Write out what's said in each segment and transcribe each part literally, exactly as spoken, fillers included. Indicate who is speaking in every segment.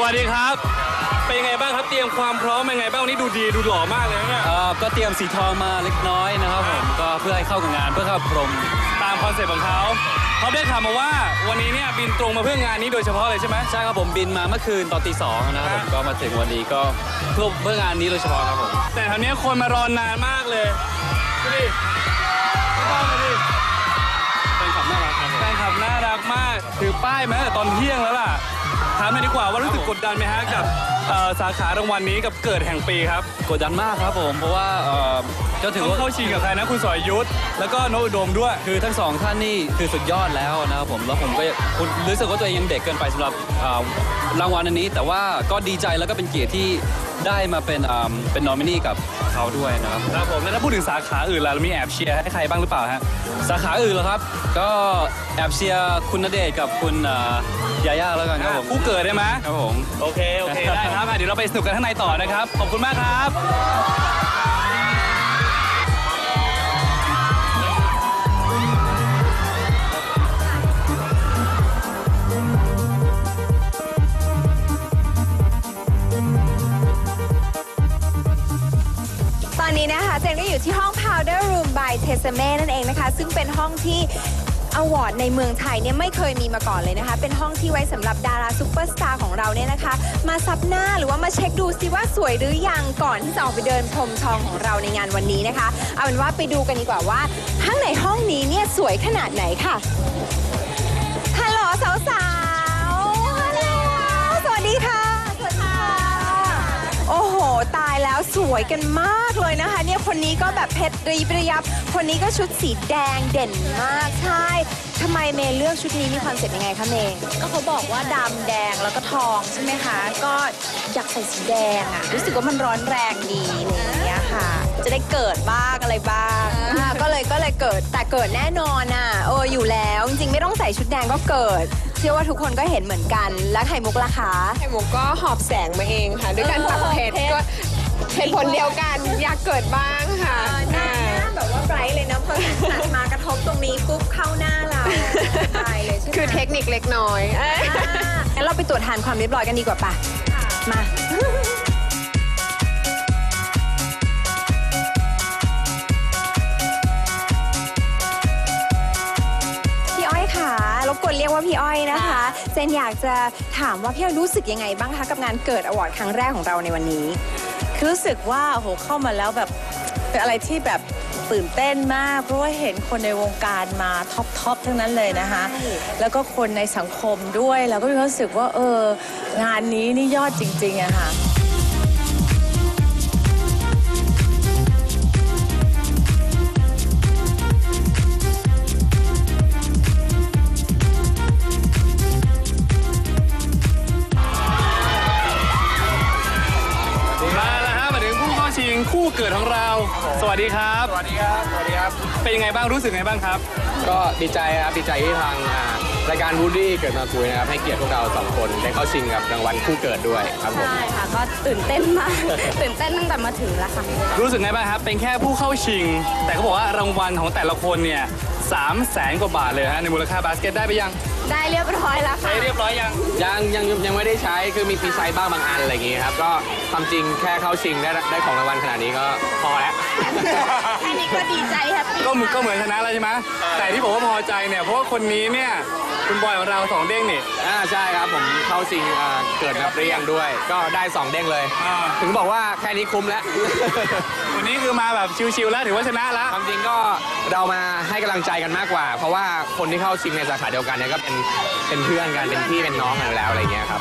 Speaker 1: วัสดีครับเป็นยังไงบ้างครับเตรียมความพร้อมยังไงบ้างวันนี้ดูดีดูหล่อมากเลยเนี่ย
Speaker 2: ก็เตรียมสีทองมาเล็กน้อยนะครับผมก็เพื่อให้เข้ากับงานเพื่อเข้าพรม
Speaker 1: ตามคอนเซ็ปต์ของเขาเขาได้ข่าวมาว่าวันนี้เนี่ยบินตรงมาเพื่องานนี้โดยเฉพาะเลยใช่ไหม
Speaker 2: ใช่ครับผมบินมาเมื่อคืนตอนตีสองนะครับผมก็มาถึงวันนี้ก็เพื่อเพื่องานนี้โดยเฉพาะครับผม
Speaker 1: แต่คราวนี้คนมารอนานมากเลยดูดิดูดิ
Speaker 2: แฟนคลับน่ารักครับ
Speaker 1: แฟนคลับน่ารักมากถือป้ายมาตั้งแต่ตอนเที่ยงแล้วล่ะถามหน่อยดีกว่าว่ารู้สึกกดดันไหมฮะกับสาขารางวัลนี้กับเกิดแห่งปีครับ
Speaker 2: กดดันมากครับผมเพราะว่า
Speaker 1: ก็ถือว่าเข้าชิงกับใครนะคุณสรยุทธแล้วก็โนอุดมด้วย
Speaker 2: คือทั้งสองท่านนี่คือสุดยอดแล้วนะครับผมแล้วผมก็รู้สึกว่าตัวเองยังเด็กเกินไปสำหรับรางวัลอันนี้แต่ว่าก็ดีใจแล้วก็เป็นเกียรติที่ได้มาเป็นเป็นนอมินีกับเขาด้วยนะครับ
Speaker 1: ครับผมแล้วถ้าพูดถึงสาขาอื่นล่ะเรามีแอบเชียร์ให้ใครบ้างหรือเปล่าฮะ
Speaker 2: สาขาอื่นเหรอครับก็แอบเชียร์คุณณเดชน์กับคุณยาย่าแล้วกันครับผม
Speaker 1: คู่เกิดได้ไหม
Speaker 2: ครับผม
Speaker 1: โอเคโอเคได้ครับเดี๋ยวเราไปสนุกกันข้างในต่อนะครับขอบคุณมากครับ
Speaker 3: ตอนนี้นะคะเจนก็อยู่ที่ห้อง Powder Room by Tessemae นั่นเองนะคะซึ่งเป็นห้องที่อวอร์ดในเมืองไทยเนี่ยไม่เคยมีมาก่อนเลยนะคะเป็นห้องที่ไว้สำหรับดาราซุปเปอร์สตาร์ของเราเนี่ยนะคะมาซับหน้าหรือว่ามาเช็คดูซิว่าสวยหรือยังก่อนที่จะออกไปเดินพรมทองของเราในงานวันนี้นะคะเอาเป็นว่าไปดูกันดีกว่าว่าข้างในห้องนี้เนี่ยสวยขนาดไหนค่ะฮัลโหลสาวๆฮัลโหลสวัสดีค่ะสวัสดีค่ะโอ้โหตายแล้วสวยกันมากเลยนะคะเนี่ยคนนี้ก็แบบเพชรรีบระยับคนนี้ก็ชุดสีแดงเด่นมากใช่ทำไมเมย์เลือกชุดนี้มีคอนเซ็ปต์ยังไงคะเมย์
Speaker 4: ก็เขาบอกว่าดำแดงแล้วก็ทองใช่ไหมคะก็อยากใส่สีแดงอ่ะรู้สึกว่ามันร้อนแรงดีอะไรอย่างเงี้ยค่ะจะได้เกิดบ้างอะไรบ้าง
Speaker 3: ก็เลยก็เลยเกิดแต่เกิดแน่นอนอ่ะเอออยู่แล้วจริงๆไม่ต้องใส่ชุดแดงก็เกิดเชื่อว่าทุกคนก็เห็นเหมือนกันแล้วไข่มุกล่ะคะ
Speaker 5: ไข่มุกก็หอบแสงมาเองค่ะด้วยการปักเพชรก็เหตุผลเดียวกันอยากเกิดบ้างค่ะ
Speaker 3: หน้าแบบว่าไบรท์เลยนะพอตัดมากระทบตรงนี้ปุ๊บเข้าหน้าเราตายเลยใช่ไหม
Speaker 5: คือเทคนิคเล็กน้อย
Speaker 3: งั้นเราไปตรวจทานความเรียบร้อยกันดีกว่าป่ะมารบกวนเรียกว่าพี่อ้อยนะคะเจนอยากจะถามว่าพี่อ้อยรู้สึกยังไงบ้างคะกับงานเกิดอวอร์ดครั้งแรกของเราในวันนี้
Speaker 4: รู้สึกว่าโหเข้ามาแล้วแบบเป็นอะไรที่แบบตื่นเต้นมากเพราะว่าเห็นคนในวงการมาท็อปท็อปทั้งนั้นเลยนะคะแล้วก็คนในสังคมด้วยแล้วก็มีความรู้สึกว่าเอองานนี้นี่ยอดจริงๆอะค่ะ
Speaker 1: คู่เกิดของเราสวัสดีครับ
Speaker 6: สวัสดีครับสวัสดีครับ
Speaker 1: เป็นยังไงบ้างรู้สึกไงบ้างครับ
Speaker 6: ก็ดีใจครับดีใจที่ทางรายการวูดดี้เกิดมาคุยนะครับให้เกียรติพวกเราสองคนได้เข้าชิงกับรางวัลคู่เกิดด้วยครับผม
Speaker 4: ใช่ค่ะก็ตื่นเต้นมากตื่นเต้นตั้งแต่มาถึงแล้วค่ะ
Speaker 1: รู้สึกไงบ้างครับเป็นแค่ผู้เข้าชิงแต่เขาบอกว่ารางวัลของแต่ละคนเนี่ยสามแสนกว่าบาทเลยฮะในมูลค่าบาสเกตได้ไปยัง
Speaker 4: ได้เรียบร้อยแล้วค่ะ
Speaker 1: ได้เรียบร้อยยัง
Speaker 6: ยังยังยังไม่ได้ใช้คือมีมีใช้บ้างบางอันอะไรอย่างงี้ครับก็ความจริงแค่เข้าชิงได้ได้ของรางวัลขนาดนี้ก็พอแล้ว
Speaker 4: แค่นี้ก็ดีใจแฮปปี้
Speaker 1: ก็ก็เหมือนชนะแล้วใช่ไหมแต่ที่ผมว่าพอใจเนี่ยเพราะว่าคนนี้เนี่ยคุณบอยของเราสองเด้งนี่
Speaker 6: อ่าใช่ครับผมเข้าชิงเกิดมาเปรี้ยงด้วยก็ได้สองเด้งเลยถึงบอกว่าแค่นี้คุ้มแล้ว
Speaker 1: วันนี้คือมาแบบชิวๆแล้วถือว่าชนะแล้ว
Speaker 6: ความจริงก็เรามาให้กำลังใจกันมากกว่าเพราะว่าคนที่เข้าชิงในสาขาเดียวกันเนี่ยก็เป็นเป็นเพื่อนกันเป็นพี่เป็นน้องกันแล้วอะไรเงี้ยครับ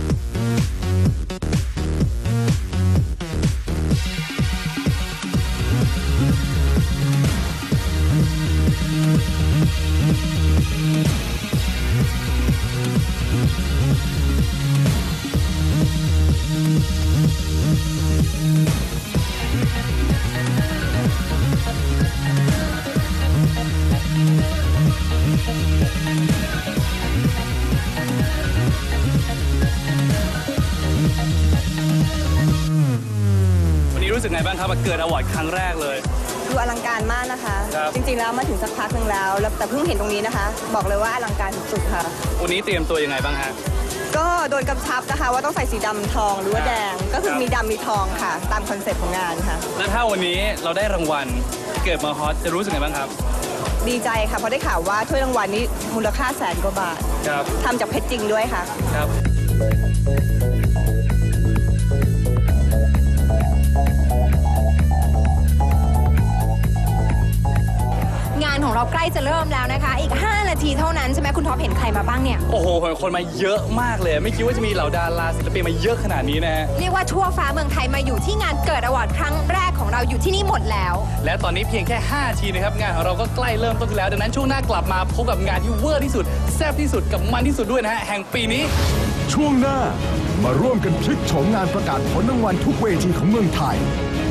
Speaker 1: รู้สึกไงบ้างครับเกิดอวอร์ดครั้งแรกเลย
Speaker 3: ดูอลังการมากนะคะจริงๆแล้วมาถึงสักพักหนึ่งแล้วแต่เพิ่งเห็นตรงนี้นะคะบอกเลยว่าอลังการสุดๆค่ะ
Speaker 1: วันนี้เตรียมตัวยังไงบ้างฮะ
Speaker 7: ก็โดนกำชับนะคะว่าต้องใส่สีดำทองหรือว่าแดง ก็คือมีดำมีทองค่ะ ตามคอนเซ็ปต์ของงานค่ะ
Speaker 1: แล้วถ้าวันนี้เราได้รางวัลเกิดมาฮอตจะรู้สึกไงบ้างครับ
Speaker 7: ดีใจค่ะ เพราะได้ข่าวว่าถ้วยรางวัลนี้มูลค่าแสนกว่าบาท
Speaker 1: ครับ
Speaker 7: ทำจากเพชรจริงด้วยค่ะ
Speaker 1: ครับ
Speaker 3: งานของเราใกล้จะเริ่มแล้วนะคะ อีก ห้า นาทีเท่านั้นใช่ไหมคุณท็อปเห็นใครมาบ้างเนี่ย
Speaker 1: โอ้โหคนมาเยอะมากเลย ไม่คิดว่าจะมีเหล่าดาราศิลปินมาเยอะขนาดนี้นะฮะ
Speaker 3: เรียกว่าทั่วฟ้าเมืองไทยมาอยู่ที่งานเกิดอวอร์ดครั้งแรกของเราอยู่ที่นี่หมดแล้ว
Speaker 1: และตอนนี้เพียงแค่ ห้า นาทีนะครับ งานของเราก็ใกล้เริ่มต้นแล้ว ดังนั้นช่วงหน้ากลับมาพบกับงานที่เวอร์ที่สุดแซ่บที่สุดกับมันที่สุดด้วยนะฮะแห่งปีนี้
Speaker 8: ช่วงหน้ามาร่วมกันพลิกโฉมงานประกาศผลรางวัลทุกเวทีของเมืองไทย